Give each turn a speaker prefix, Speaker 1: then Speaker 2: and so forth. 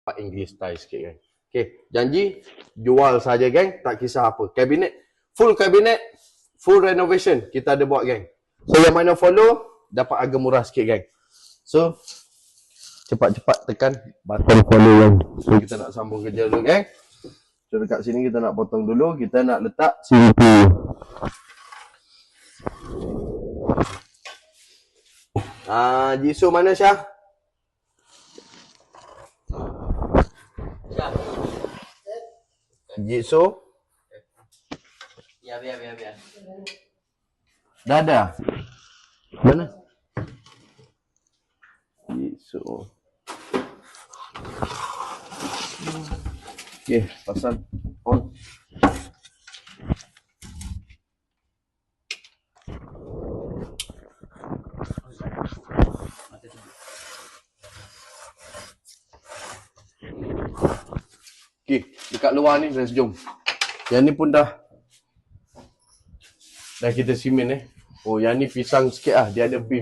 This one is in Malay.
Speaker 1: English style sikit kan. Okay, janji jual saja geng, tak kisah apa. Kabinet, full renovation kita ada buat geng. So yang mana follow dapat harga murah sikit geng. So cepat-cepat tekan button follow geng. So kita nak sambung kerja dulu geng. So dekat sini kita nak potong dulu, kita nak letak CPU. Jisoo mana Syah? Jisoo?
Speaker 2: Ya, biar.
Speaker 1: Dah ada? Mana? Jisoo. Okay, pasang on. Okay, dekat luar ni dah sejom. Yang ni pun dah kita simen Oh, yang ni pisang sikit lah. Dia ada beef.